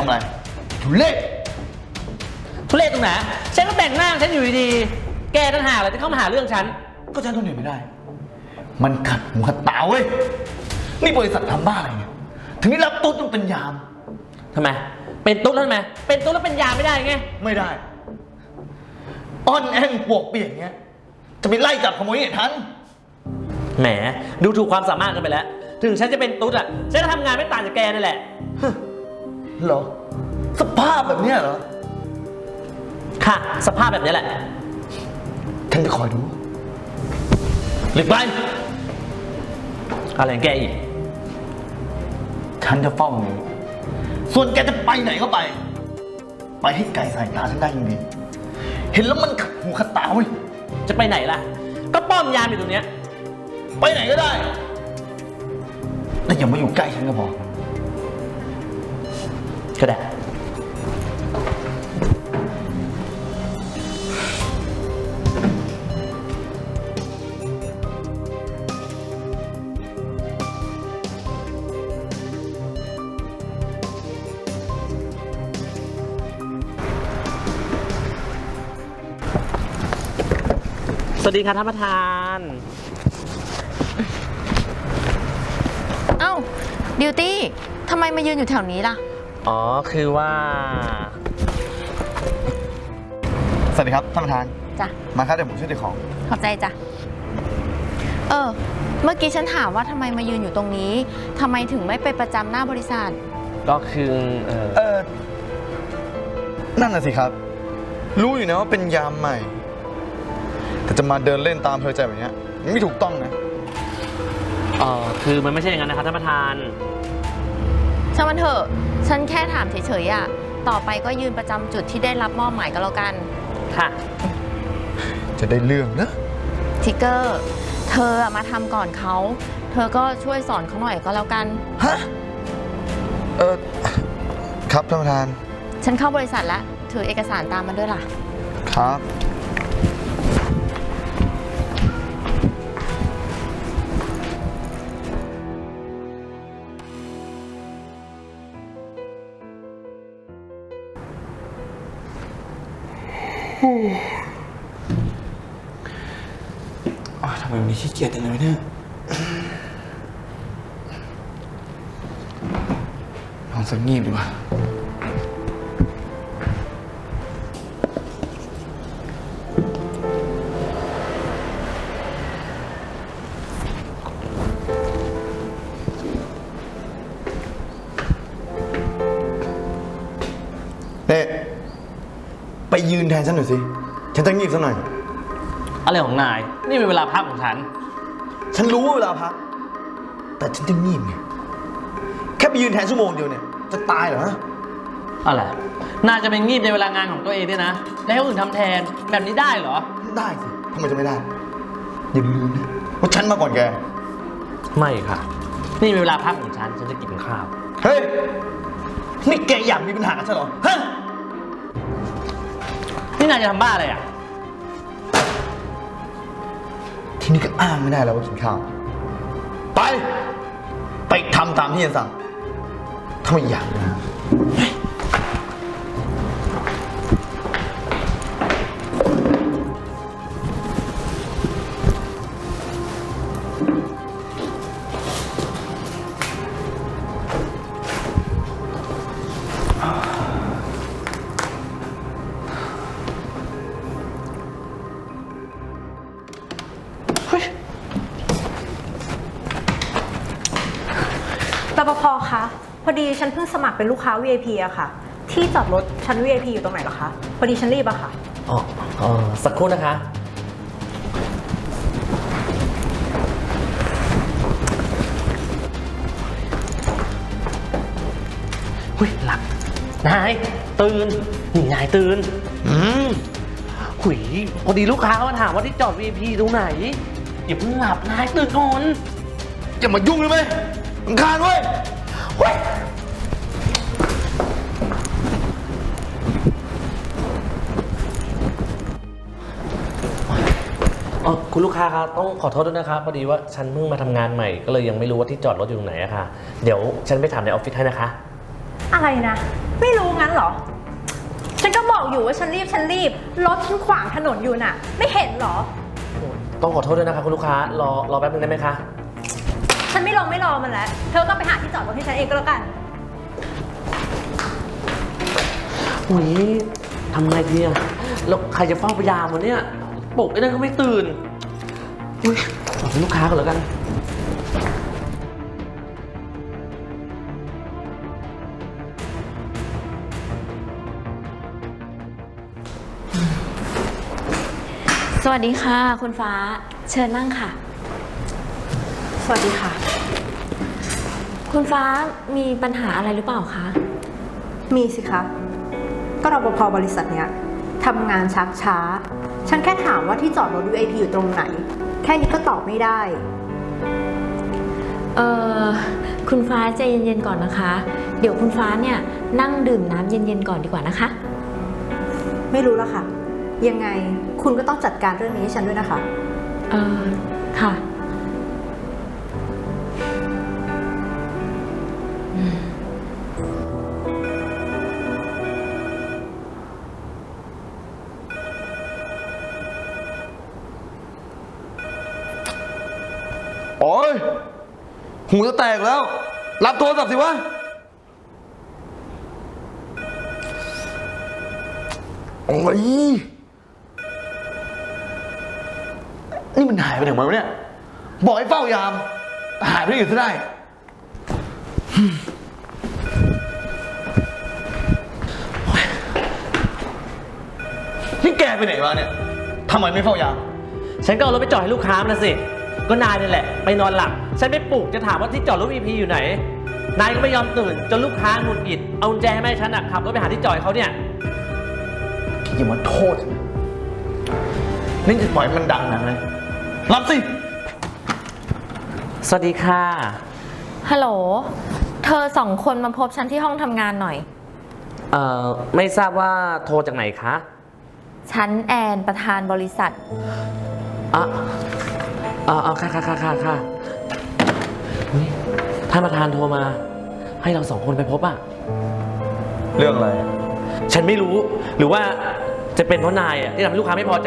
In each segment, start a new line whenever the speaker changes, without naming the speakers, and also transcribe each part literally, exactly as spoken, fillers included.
ทำอะไรทุเล่
ทุเรศตรงไหนฉันก็แต่งหน้าฉันอยู่ดีๆแกต่างหากเลยที่เข้ามาหาเรื่องฉัน
ก็ฉันทนอยู่ไม่ได้มันขัดหูขัดตาเว้ยนี่บริษัททำบ้าอะไรเนี่ยถึงได้รับตุ๊ดต้องเป็นยาม
ทำไมเป็นตุ๊ดแล้วทำไมเป็นตุ๊ดแล้วเป็นยามไม่ได้ไง
ไม่ได้อ้อนแอนปวกเปียกเงี้ยจะไปไล่จับขโมยเนี่ยทัน
แหมดูถูกความสามารถกันไปแล้วถึงฉันจะเป็นตุ๊ดอ่ะฉันก็ทำงานไม่ต่างจากแกนั่นแหละ
เหรอสภาพแบบเนี้ยเหรอ
ค่ะสภาพแบบนี้แหละ
ฉันจะคอยดู
หลีกไปอะไรแกอีก
ฉันจะเฝ้าอยู่ส่วนแกจะไปไหนก็ไปไปให้ไกลสายตาฉันได้ยังดีเห็นแล้วมันขัดหูขัดตาเว้ย
จะไปไหนล่ะก็ป้อมยามอยู่ตรงเนี้ย
ไปไหนก็ได้แต่อย่ามาอยู่ใกล้ฉันก็พอ
ก็ได้สวัสดีค่ะท่านประธาน
เอ้าบิวตี้ทำไมมายืนอยู่แถวนี้ล่ะ
อ๋อคือว่า
สวัสดีครับท่านประธาน
จ้ะ
มาครับเดี๋ยวผมช่วยถือของ
ขอบใจจ้ะเออเมื่อกี้ฉันถามว่าทำไมมายืนอยู่ตรงนี้ทำไมถึงไม่ไปประจำหน้าบริษัท
ก็คือเออ
เออนั่นน่ะสิครับรู้อยู่นะว่าเป็นยามใหม่แต่จะมาเดินเล่นตามเพลินใจแบบนี้ไม่ถูกต้องนะ
อ๋อคือมันไม่ใช่อย่างนั้นนะครับท่านประธาน
ช่างมันเถอะฉันแค่ถามเฉยๆอ่ะต่อไปก็ยืนประจำจุดที่ได้รับมอบหมายก็แล้วกัน
ค่ะ
จะได้เรื่องนะ
ทิกเกอร์เธอมาทำก่อนเขาเธอก็ช่วยสอนเขาหน่อยก็แล้วกัน
ฮะเออครับท่านประธาน
ฉันเข้าบริษัทแล้วถือเอกสารตามมาด้วยล่ะ
ครับทำไมวันนี้ขี้เกียจจังเลยเนี่ยนอนสักงีบดีกว่าเน่ไปยืนแทนฉันหน่อยสิฉันจะงีบสักหน่อย
อะไรของนายนี่เป็นเวลาพักของฉัน
ฉันรู้ว่าเวลาพักแต่ฉันจะงีบไงแค่ไปยืนแทนชั่วโมงเดียวเนี่ยจะตายเหรอ
อะไรนายจะไปงีบในเวลางานของตัวเองด้วยนะแล้วให้คนอื่นทำแทนแบบนี้ได้เหรอ
ได้สิทำไมจะไม่ได้อย่าลืมนะว่าฉันมาก่อนแก
ไม่ค่ะนี่เป็นเวลาพักของฉันฉันจะกินข้าว
เฮ้ยนี่แกอยากมีปัญหาใช่เหรอฮะ
นี่นายจะทำบ้าอะไรอ่ะ
ทีนี้ก็อ้างไม่ได้แล้วว่ากินข้าวไปไปทำตามที่ฉันสั่งถ้าไม่อยากนะ
รปภ.คะพอดีฉันเพิ่งสมัครเป็นลูกค้า วี ไอ พี อะค่ะที่จอดรถชั้น วี ไอ พี อยู่ตรงไหนเหรอคะพอดีฉันรีบอะค่ะ
อ๋ออ๋อสักครู่นะคะเฮ้ยหลับนายตื่นนี่นายตื่นอืมหุยพอดีลูกค้ามาถามว่าที่จอด วี ไอ พี ตรงไหนอย่าเพิ่งหลับนายตื่นก่อน
อย่ามายุ่งเลยไหมรำคาญเว้ยเฮ้ย
อ๋อคุณลูกค้าครับต้องขอโทษด้วยนะครับพอดีว่าฉันเพิ่งมาทำงานใหม่ก็เลยยังไม่รู้ว่าที่จอดรถอยู่ตรงไหนอะค่ะเดี๋ยวฉันไปถามในออฟฟิศให้นะคะ
อะไรนะไม่รู้งั้นเหรอ ฉันก็บอกอยู่ว่าฉันรีบฉันรีบ รถฉันขวางถนนอยู่น่ะ ไม่เห็นเหรอ
ต้องขอโทษด้วยนะคะคุณลูกค้ารอรอแป๊บนึงได้ไหมคะ
ฉันไม่ลงไม่รอมันแล้ว เธอก็ไปหาที่จอดรถให้ฉันเองก็แล้วกัน
อุ้ยทำไงดีอะแล้วใครจะเฝ้าพยามวะเนี่ยปลุกไอ้นั่นก็ไม่ตื่นอุ้ยบอกเป็นลูกค้าก่อนแล้วกัน
สวัสดีค่ะ คุณฟ้า เชิญนั่งค่ะ
สวัสดีค่ะ
คุณฟ้ามีปัญหาอะไรหรือเปล่าคะ
มีสิคะ ก็รปภบริษัทเนี้ยทำงานชักช้า ฉันแค่ถามว่าที่จอดรถ วี ไอ พี อยู่ตรงไหน แค่นี้ก็ตอบไม่ได้
เอ่อ คุณฟ้าใจเย็นๆก่อนนะคะ เดี๋ยวคุณฟ้าเนี่ยนั่งดื่มน้ำเย็นๆก่อนดีกว่านะคะ
ไม่รู้ละค่ะ ยังไงคุณก็ต้องจัดการเรื่องนี้ให้ฉันด้วยนะคะ
เอ่อ ค่ะ
โอ้ยหูจะแตกแล้ว รับโทรศัพท์สิวะโอ้ยนี่มันหายไปไหนหมดวะเนี่ย บอกให้เฝ้ายาม หายไปไหนอยู่ซะได้ นี่แกไปไหนวะเนี่ยทำไมไม่เฝ้ายาม
ฉันก็เอารถไปจอดให้ลูกค้ามันนะสิ ก็นายนี่แหละไปนอนหลับ ฉันไปปลุกจะถามว่าที่จอดรถ วี พี อยู่ไหน นายก็ไม่ยอมตื่นจนลูกค้าหงุดหงิด เอากุญแจให้แม่ฉันอะขับรถไปหาที่จอดเขาเนี่ย
อย่ามาโทษฉันนี่จะปล่อยให้มันดังนะเลยรับสิ
สวัสดีค่ะ
ฮัลโหล เธอสองคนมาพบฉันที่ห้องทำงานหน่อย
เอ่อ ไม่ทราบว่าโทรจากไหนคะ
ฉันแอนประธานบริษัท
อ่ะอ่าค่ะค่ะค่ะค่ะค่ะเฮ้ยท่านประธานโทรมา ให้เราสองคนไปพบอ่ะ
เรื่องอะไร
ฉันไม่รู้ หรือว่าจะเป็นเพราะนายอ่ะที่ทำให้ลูกค้าไม่พอใจ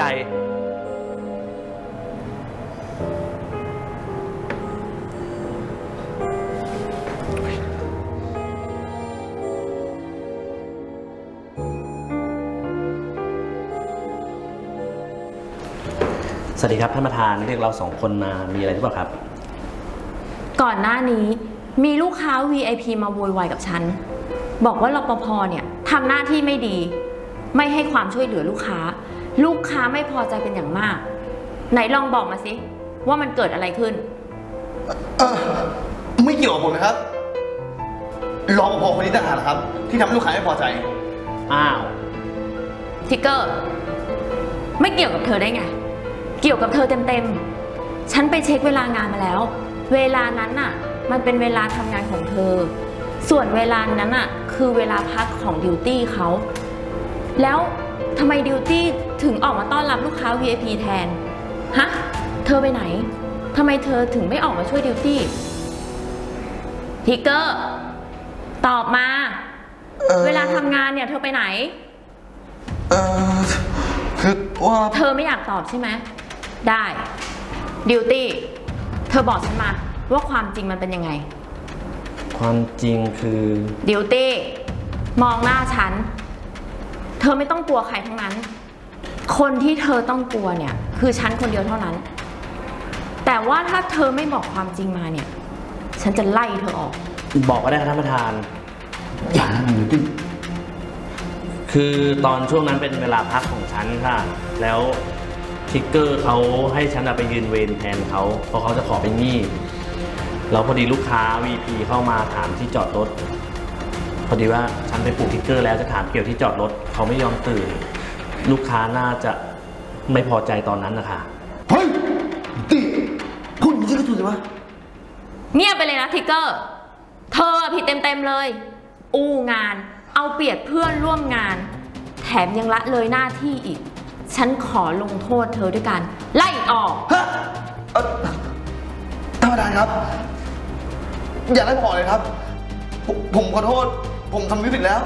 สวัสดีครับท่านประธานเรียกเราสองคนมามีอะไรหรือเปล่าครับ
ก่อนหน้านี้มีลูกค้า วี ไอ พี มาโวยวายกับฉัน บอกว่ารปภเนี่ยทำหน้าที่ไม่ดี ไม่ให้ความช่วยเหลือลูกค้า ลูกค้าไม่พอใจเป็นอย่างมาก ไหนลองบอกมาสิว่ามันเกิดอะไรขึ้น
เออไม่เกี่ยวกับผมนะครับรอปภคนนี้ต่างหากครับ ที่ทำให้ลูกค้าไม่พอใจ
อ้าว
ทิกเกอร์ ไม่เกี่ยวกับเธอได้ไง เกี่ยวกับเธอเต็มๆ ฉันไปเช็คเวลางานมาแล้ว เวลานั้นน่ะ มันเป็นเวลาทำงานของเธอ ส่วนเวลานั้นน่ะคือเวลาพักของดิวตี้เขา แล้วทำไมดิวตี้ถึงออกมาต้อนรับลูกค้า วี ไอ พี แทน ฮะ เธอไปไหน ทำไมเธอถึงไม่ออกมาช่วยดิวตี้ ทิกเกอร์ ตอบมา
เอ่อ
เวลาทำงานเนี่ยเธอไปไหน
เออคือว่า
เธอไม่อยากตอบใช่ไหม ได้ ดิวตี้ เธอบอกฉันมาว่าความจริงมันเป็นยังไง
ความจริงคือ
ดิวตี้ มองหน้าฉัน เธอไม่ต้องกลัวใครทั้งนั้น คนที่เธอต้องกลัวเนี่ย คือฉันคนเดียวเท่านั้น แต่ว่าถ้าเธอไม่บอกความจริงมาเนี่ย ฉันจะไล่เธอออก
บอกก็ได้ครับท่านประธาน
อย่านะหนูดิ
คือตอนช่วงนั้นเป็นเวลาพักของฉันค่ะ แล้วทิกเกอร์เขาให้ฉันอะไปยืนเวรแทนเขาเพราะเขาจะขอเป็นหนี้แล้วพอดีลูกค้า วี พี เข้ามาถามที่จอดรถ พอดีว่าฉันไปปลูกทิกเกอร์แล้วจะถามเกี่ยวที่จอดรถเขาไม่ยอมตื่น ลูกค้าน่าจะไม่พอใจตอนนั้นนะคะ
เฮ้ยดิพูดอย่างนี้ก็ถูกสิวะ
เงียบไปเลยนะทิกเกอร์ เธอผิดเต็มๆเลย อู้งาน เอาเปรียบเพื่อนร่วมงาน แถมยังละเลยหน้าที่อีก ฉันขอลงโทษเธอด้วยการไล่ออก
ฮะเอ่อท่านประธานครับ อย่าไล่ผมออกเลยครับ ผมผมขอโทษ ผมทำไม่ผิดแล้ว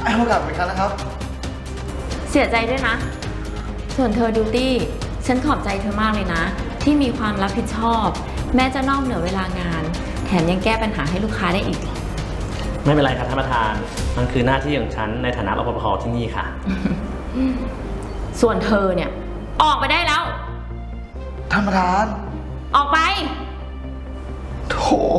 ให้โอกาสผมอีกครั้งนะครับ
เสียใจด้วยนะ ส่วนเธอดิวตี้ ฉันขอบใจเธอมากเลยนะ ที่มีความรับผิดชอบ แม้จะนอกเหนือเวลางาน แถมยังแก้ปัญหาให้ลูกค้าได้อีก
ไม่เป็นไรครับท่านประธาน มันคือหน้าที่ของฉันในฐานะรปภที่นี่ค่ะ
ส่วนเธอเนี่ย ออกไปได้แล้ว
ท่านประธาน
ออกไป
โถ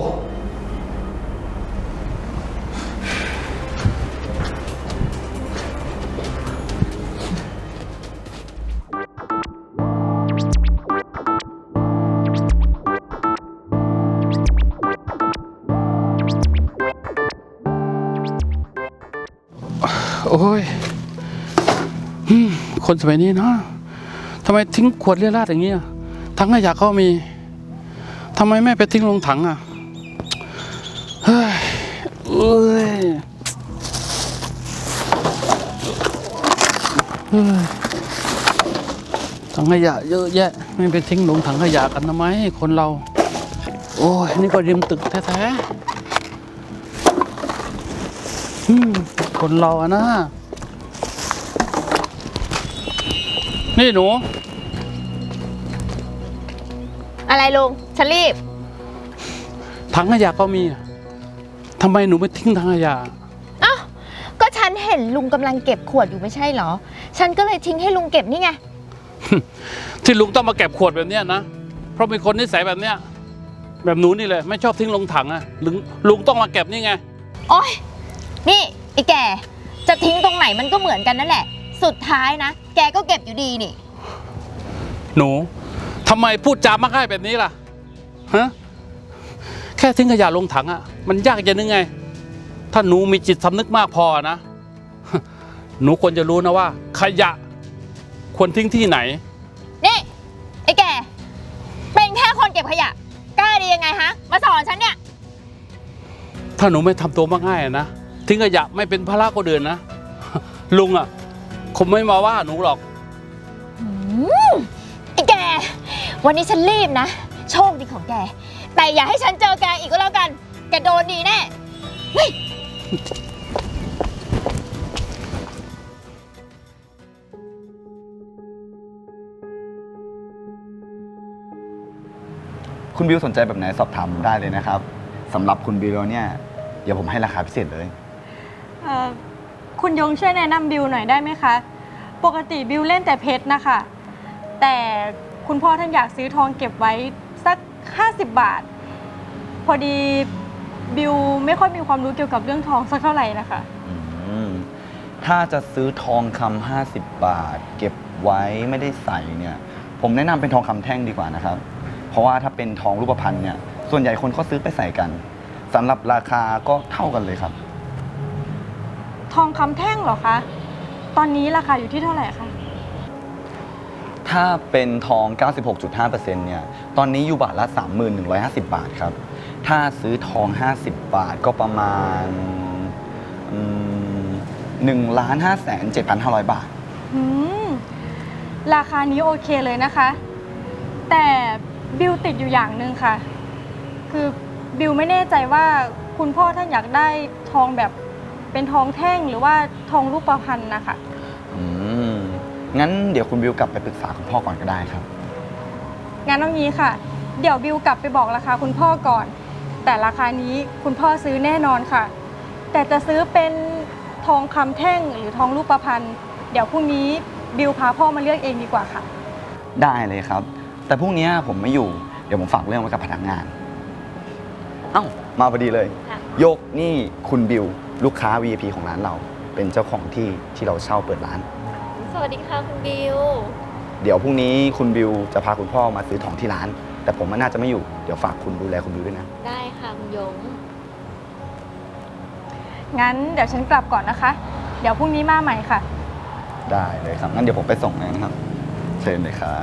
โอ้ยอืมคนสมัยนี้เนาะทำไมทิ้งขวดเลี่ยราดอย่างเงี้ยถังขยะก็มีทำไมไม่ไปทิ้งลงถังอ่ะเฮ้ยเอ้ยเฮ้ยถังขยะเยอะแยะไม่ไปทิ้งลงถังขยะกันทำไมคนเราโอ้ยนี่ก็ริมตึกแท้ๆอืมคนเราอะนะนี่หนู
อะไรลุง ฉันรีบ
ถังขยะก็มีอะทำไมหนูไม่ทิ้งถังขยะ
อ้าว ก็ฉันเห็นลุงกำลังเก็บขวดอยู่ไม่ใช่เหรอ ฉันก็เลยทิ้งให้ลุงเก็บนี่ไง
ที่ลุงต้องมาเก็บขวดแบบเนี้ยนะ เพราะมีคนนิสัยแบบเนี้ย แบบหนูนี่เลยไม่ชอบทิ้งลงถังอะลุงลุงต้องมาเก็บนี่ไง
โอ๊ย นี่ไอ้แก จะทิ้งตรงไหนมันก็เหมือนกันนั่นแหละ สุดท้ายนะ แกก็เก็บอยู่ดีนี่
หนูทำไมพูดจามักง่ายแบบนี้ล่ะฮะแค่ทิ้งขยะลงถังอะมันยากจะนึกไง ถ้าหนูมีจิตสำนึกมากพอนะ หนูควรจะรู้นะว่า ขยะ ควรทิ้งที่ไหน
นี่ไอ้แก เป็นแค่คนเก็บขยะ กล้าดียังไงฮะ มาสอนฉันเนี่ย
ถ้าหนูไม่ทำตัวมักง่ายอะนะทิ้งขยะไม่เป็นภาระคนอื่นนะ ลุงอะคงไม่มาว่าหนูหรอก
อืมไอ้แก วันนี้ฉันรีบนะ โชคดีของแก แต่อย่าให้ฉันเจอแกอีกก็แล้วกัน แกโดนดีแน่เฮ้ย
คุณบิวสนใจแบบไหนสอบถามได้เลยนะครับสำหรับคุณบิวแล้วเนี่ยเดี๋ยวผมให้ราคาพิเศษเลย
เอ่อคุณยงช่วยแนะนำบิวหน่อยได้ไหมคะ ปกติบิวเล่นแต่เพชรนะคะ แต่คุณพ่อท่านอยากซื้อทองเก็บไว้สักห้าสิบบาท พอดีบิวไม่ค่อยมีความรู้เกี่ยวกับเรื่องทองสักเท่าไหร่นะคะ
อืมถ้าจะซื้อทองคำห้าสิบบาท เก็บไว้ไม่ได้ใส่เนี่ยผมแนะนำเป็นทองคำแท่งดีกว่านะครับ เพราะว่าถ้าเป็นทองรูปพรรณเนี่ยส่วนใหญ่คนก็ซื้อไปใส่กันสำหรับราคาก็เท่ากันเลยครับ
ทองคำแท่งเหรอคะ ตอนนี้ราคาอยู่ที่เท่าไหร่คะ
ถ้าเป็นทอง เก้าสิบหกจุดห้าเปอร์เซ็นต์ เนี่ยตอนนี้อยู่บาทละ สามหมื่นหนึ่งร้อยห้าสิบ บาทครับถ้าซื้อทอง ห้าสิบบาทก็ประมาณหนึ่งล้านห้าแสนเจ็ดพันห้าร้อยบาท
อืม ราคานี้โอเคเลยนะคะ แต่บิวติดอยู่อย่างหนึ่งค่ะ คือบิวไม่แน่ใจว่าคุณพ่อท่านอยากได้ทองแบบเป็นทองแท่งหรือว่าทองรูปพรรณนะคะ
อืมงั้นเดี๋ยวคุณบิวกลับไปปรึกษาคุณพ่อก่อนก็ได้ครับ
งั้นเอางี้ค่ะ เดี๋ยวบิวกลับไปบอกราคาคุณพ่อก่อน แต่ราคานี้คุณพ่อซื้อแน่นอนค่ะ แต่จะซื้อเป็นทองคำแท่งหรือทองรูปพรรณเดี๋ยวพรุ่งนี้บิวพาพ่อมาเลือกเองดีกว่าค่ะ
ได้เลยครับ แต่พรุ่งนี้ผมไม่อยู่เดี๋ยวผมฝากเรื่องไว้กับพนักงาน เอ้ามาพอดีเลย
ค่ะ
โยกนี่คุณบิวลูกค้า วี ไอ พี ของร้านเรา เป็นเจ้าของที่ที่เราเช่าเปิดร้าน
สวัสดีค่ะคุณบิว
เดี๋ยวพรุ่งนี้คุณบิวจะพาคุณพ่อมาซื้อของที่ร้าน แต่ผมน่าจะไม่อยู่เดี๋ยวฝากคุณดูแลคุณบิวด้วยนะ
ได้ค่ะคุณยง
งั้นเดี๋ยวฉันกลับก่อนนะคะ เดี๋ยวพรุ่งนี้มาใหม่ค่ะ
ได้เลยครับงั้นเดี๋ยวผมไปส่งเลยนะครับ เชิญเลยครับ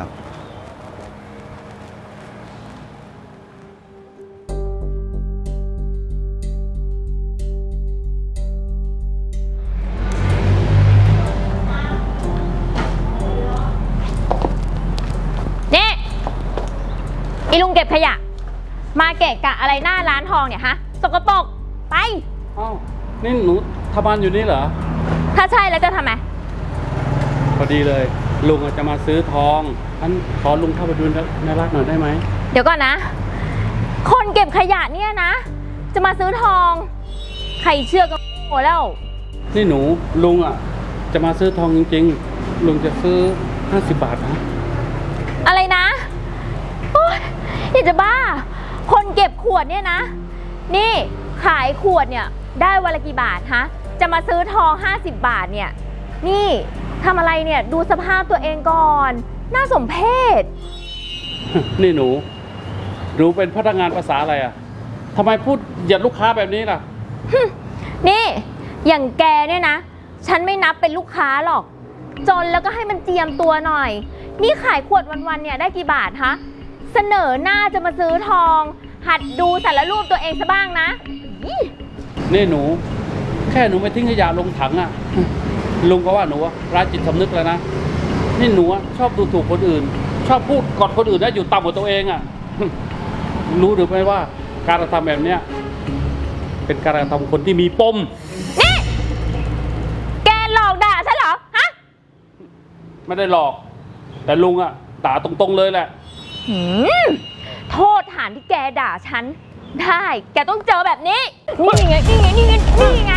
นี่อีลุงเก็บขยะ มาเกะกะอะไรหน้าร้านทองเนี่ยฮะ สกปรก ไป
อ้าวนี่หนูทำงานอยู่นี่เหรอ
ถ้าใช่แล้วจะทำไม
พอดีเลย ลุงอาจจะมาซื้อทองอันขอลุงเข้าไปดูในร้านหน่อยได้ไหม
เดี๋ยวก่อนนะ คนเก็บขยะเนี่ยนะ จะมาซื้อทอง ใครเชื่อก็โง่แล้ว
นี่หนูลุงอ่ะ จะมาซื้อทองจริงๆ ลุงจะซื้อห้าสิบบาทนะ
อะไรนะโอ๊ยอยากจะบ้า คนเก็บขวดเนี่ยนะ นี่ขายขวดเนี่ยได้วันละกี่บาทฮะ จะมาซื้อทองห้าสิบบาทเนี่ย นี่ทำอะไรเนี่ยดูสภาพตัวเองก่อน น่าสมเพช
นี่หนูหนูเป็นพนักงานภาษาอะไรอ่ะทำไมพูดเหยียดลูกค้าแบบนี้ล่ะ
นี่อย่างแกเนี่ยนะ ฉันไม่นับเป็นลูกค้าหรอก จนแล้วก็ให้มันเจียมตัวหน่อย นี่ขายขวดวันๆเนี่ยได้กี่บาทฮะ เสนอหน้าจะมาซื้อทอง หัดดูสารรูปตัวเองซะบ้างนะอี
นี่หนู แค่หนูไปทิ้งขยะลงถังอ่ะ ลุงก็ว่าหนูอะร้ายจิตสำนึกแล้วนะ นี่หนูอะชอบดูถูกคนอื่น ชอบพูดกดคนอื่นนะอยู่ต่ำกว่าตัวเองอ่ะ รู้หรือไม่ว่าการกระทำแบบเนี้ยเป็นการกระทำคนที่มีปม
นี่แกหลอกด่าฉันเหรอฮะ
ไม่ได้หลอก แต่ลุงอ่ะด่าตรงๆเลยแหละ
หืมโทษฐานที่แกด่าฉัน ได้ แกต้องเจอแบบนี้ นี่ไง นี่ไง นี่ไง นี่ไง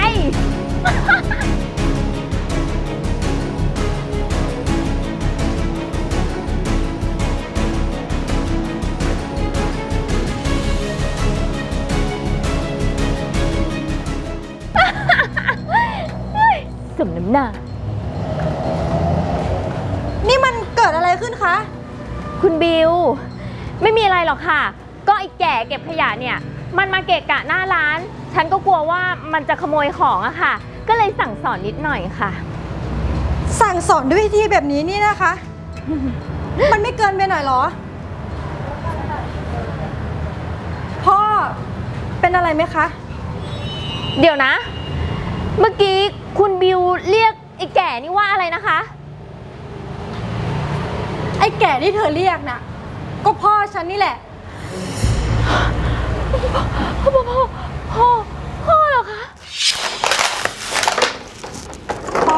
สมน้ำหน้า
นี่มันเกิดอะไรขึ้นคะ
คุณบิว ไม่มีอะไรหรอกค่ะ ก็ไอ้แก่เก็บขยะเนี่ย มันมาเกะกะหน้าร้าน ฉันก็กลัวว่ามันจะขโมยของอะค่ะ ก็เลยสั่งสอนนิดหน่อยค่ะ
สั่งสอนด้วยวิธีแบบนี้นี่นะคะ มันไม่เกินไปหน่อยเหรอ พ่อเป็นอะไรไหมคะ
เดี๋ยวนะ เมื่อกี้คุณบิวเรียกไอ้แก่นี่ว่าอะไรนะคะ
ไอ้แก่ที่เธอเรียกน่ะ ก็พ่อฉันนี่แหละ
พ่อพ่อพ่อพ่อพ่อเหรอคะ
พ่อ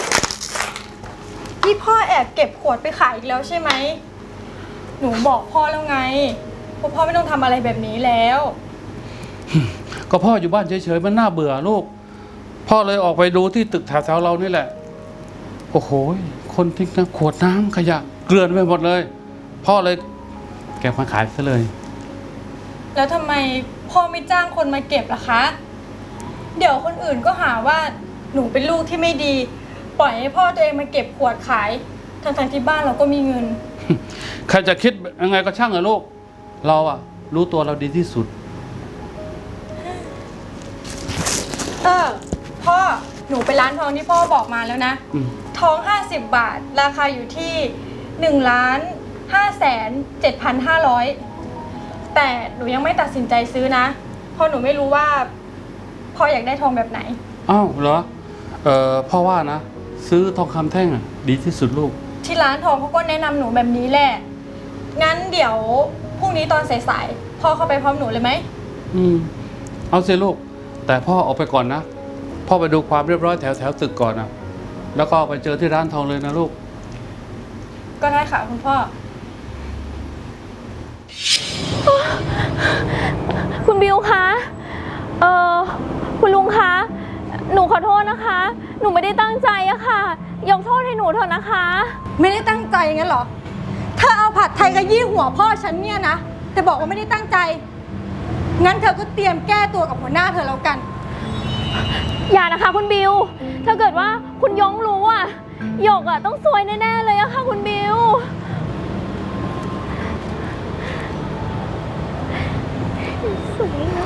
นี่พ่อแอบเก็บขวดไปขายอีกแล้วใช่ไหม หนูบอกพ่อแล้วไงว่าพ่อไม่ต้องทำอะไรแบบนี้แล้ว
ก็พ่ออยู่บ้านเฉยๆมันน่าเบื่อลูก พ่อเลยออกไปดูที่ตึกแถวๆเรานี่แหละ โอ้โหคนทิ้งน้ำขวดน้ำขยะเกลื่อนไปหมดเลย พ่อเลยเก็บมาขายซะเลย
แล้วทำไมพ่อไม่จ้างคนมาเก็บล่ะคะ เดี๋ยวคนอื่นก็หาว่าหนูเป็นลูกที่ไม่ดี ปล่อยให้พ่อตัวเองมาเก็บขวดขายทั้งๆที่บ้านเราก็มีเงิน
ใครจะคิดยังไงก็ช่างเถอะลูก เราอะรู้ตัวเราดีที่สุด
เออพ่อหนูไปร้านทองที่พ่อบอกมาแล้วนะ
อืม
ทองห้าสิบบาท ราคาอยู่ที่หนึ่งล้านห้าแสนเจ็ดพันห้าร้อยแต่หนูยังไม่ตัดสินใจซื้อนะเพราะหนูไม่รู้ว่าพ่ออยากได้ทองแบบไหน
อ้าวเหรอ เอ่อพ่อว่านะ ซื้อทองคำแท่งอะดีที่สุดลูก
ที่ร้านทองเขาก็แนะนำหนูแบบนี้แหละงั้นเดี๋ยวพรุ่งนี้ตอนสายๆพ่อเข้าไปพร้อมหนูเลยไหม
อืม เอาสิลูก แต่พ่อออกไปก่อนนะ พ่อไปดูความเรียบร้อยแถวแถวตึกก่อนนะแล้วก็ไปเจอที่ร้านทองเลยนะลูก
ก็ได้ค่ะคุณพ่อ
คุณบิวคะ เออคุณลุงคะ หนูขอโทษนะคะ หนูไม่ได้ตั้งใจอะค่ะ ยกโทษให้หนูเถอะนะคะ
ไม่ได้ตั้งใจงั้นเหรอเธอเอาผัดไทยกระยี่หัวพ่อฉันเนี่ยนะแต่บอกว่าไม่ได้ตั้งใจงั้นเธอก็เตรียมแก้ตัวกับหัวหน้าเธอแล้วกัน
อย่านะคะคุณบิว ถ้าเกิดว่าคุณยงรู้อะหยกอะต้องซวยแน่ๆเลยอะค่ะคุณบิว สวยนะ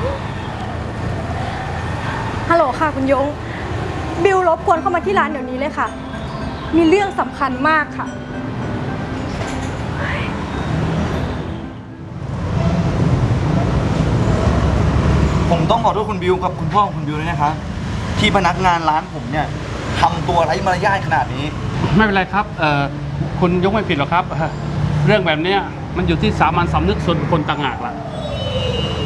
ฮัลโหลค่ะคุณยง บิวรบกวนเข้ามาที่ร้านเดี๋ยวนี้เลยค่ะ มีเรื่องสำคัญมากค่ะ
ผมต้องขอโทษคุณบิวกับคุณพ่อของคุณบิวด้วยนะครับ ที่พนักงานร้านผมเนี่ยทำตัวไร้มารยาทขนาดนี้
ไม่เป็นไรครับ เอ่อ คุณยกไม่ผิดหรอกครับ เรื่องแบบเนี้ยมันอยู่ที่สามัญสำนึกส่วนบุคคลต่างหากล่ะ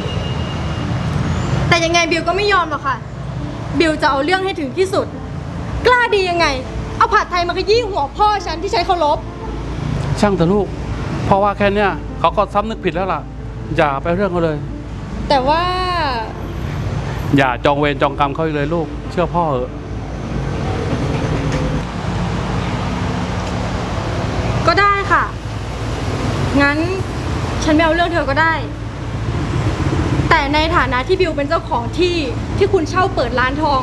แต่ยังไงบิวก็ไม่ยอมหรอกค่ะ บิวจะเอาเรื่องให้ถึงที่สุดกล้าดียังไง เอาผัดไทยมาขยี้หัวพ่อฉันที่ฉันเคารพ
ช่างเถอะลูก เพราะว่าแค่เนี้ยเขาก็ซ้ำนึกผิดแล้วล่ะ อย่าไปเรื่องเขาเลย
แต่ว่า
อย่าจองเวรจองกรรมเขาอีกเลยลูก เชื่อพ่อเถอะ
ก็ได้ค่ะ งั้นฉันไม่เอาเรื่องเธอก็ได้ แต่ในฐานะที่บิวเป็นเจ้าของที่ที่คุณเช่าเปิดร้านทอง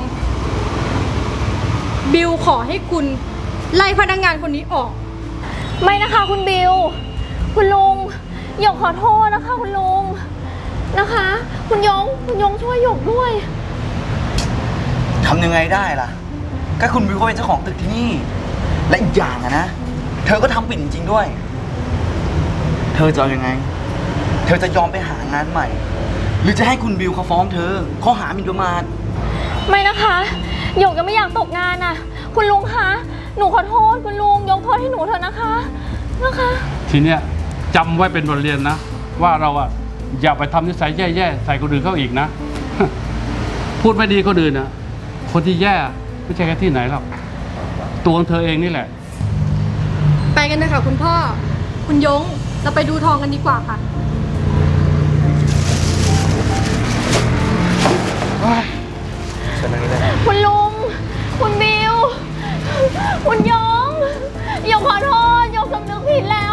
บิวขอให้คุณไล่พนักงานคนนี้ออก
ไม่นะคะคุณบิว คุณลุงหยกขอโทษนะคะคุณลุงนะคะ คุณยงคุณยงช่วยหยกด้วย
ทำยังไงได้ล่ะ ก็คุณวิวเขาเป็นเจ้าของตึกที่นี่ และอีกอย่างอะนะ เธอก็ทำผิดจริงๆด้วย เธอจะเอายังไง เธอจะยอมไปหางานใหม่ หรือจะให้คุณบิวเขาฟ้องเธอข้อหาหมิ่นประมาท
ไม่นะคะหยกยังไม่อยากตกงานน่ะ คุณลุงคะหนูขอโทษคุณลุงยกโทษให้หนูเถอะนะคะนะคะ
ทีเนี้ยจำไว้เป็นบทเรียนนะ ว่าเราอะอย่าไปทำนิสัยแย่ๆใส่คนอื่นเข้าอีกนะ พูดไม่ดีคนอื่นนะคนที่แย่ไม่ใช่แค่ที่ไหนหรอกตัวของเธอเองนี่แหละ
ไปกันเลยค่ะคุณพ่อ คุณยง เราไปดูทองกันดีกว่าค่ะ
คุณลุง คุณบิว คุณยงหยกขอโทษหยกสำนึกผิดแล้ว